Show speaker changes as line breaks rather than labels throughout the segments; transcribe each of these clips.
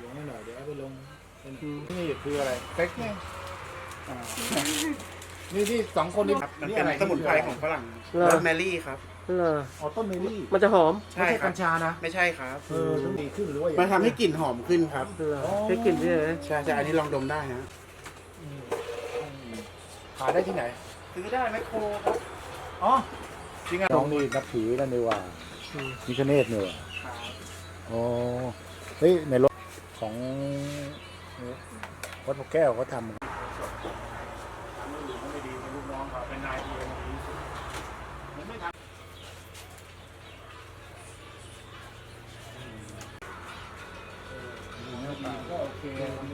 งให้หน่อยเดี๋ยวเอาไปลงนี่คืออะไรเซ็กไงนี่สองคนนี่
มัน
นี่
เป็น
อะไร
สมุนไพรของฝรั่ง
เหรอ
โรสแมรี่ครับ
เหรอ
อ๋อต้นเมลี่
มันจะหอม
ไม่ใช่กัญชานะ
ไม่ใช่ครับ
ต้องดีขึ้นหรือว่า
มันทำให้กลิ่นหอมขึ้นครับ
เหรอแค่กลิ่นเฉย
ใช่ใช่อันนี้ลองดมได้นะ
ขายได้ที่ไหน
ซื้อได้แมคโครครับ
อ๋อจริงอ่ะน้องนี่นับถือนั่นเลยว่ามิคเนตเนี่ยอ๋อเฮ้ยในรถของวัดพระแก้วเขาทำก็โอเค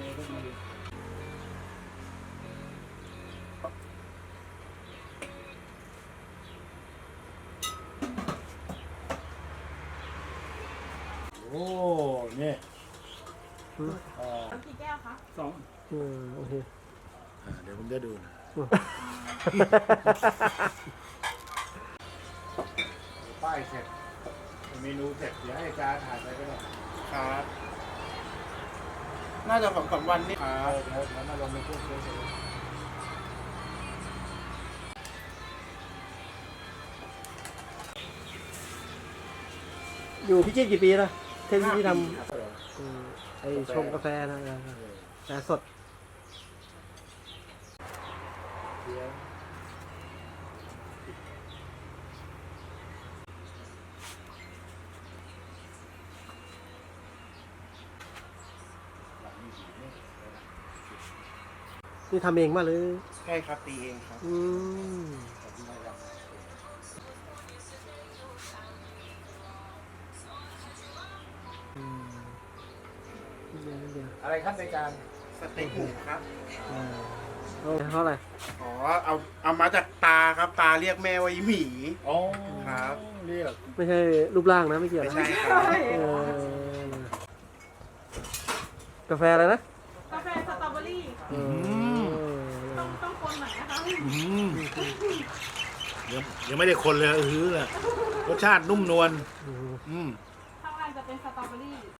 โอ้เนี่ย
กี่แก้วคะ
โอเค
เดี๋ยวผมจะดูนะป้ายเสร็จเมนูเสร็จเดี๋ยวให้อาจารย์ถ่ายไปก็ได้
ครับ น่าจะ2-3 วันนี่ครับ
เดี๋ยวมาลงในเครื่องเฉย
อยู่พิจิตรกี่ปีแล้วเท่ที่ท
ๆ
ำไอชงกาแฟนะกาแฟสดนี่ทำเองมาหรือ
ใช่ครับตีเองครับ
อืม
อะไรครับในการ
สเต็กหมูครับ
เท่าไหร่
อ๋อ เอามาจากตาครับ ตาเรียกแม่ว่าอีหมี
อ๋อ
ครับ
เรียก
ไม่ใช่รูปร่างนะไม่เกี่ยว
ไม่
นะ
ใช่ครับ
กาแฟอะไรนะ
กาแฟสตรอเบอรี่ต้องคนหน่อยนะคะ
ยังไม่ได้คนเลยเลยรสชาตินุ่มนวล
อืม
อืม
ข้างล่างจะเป็นสตรอเบอรี่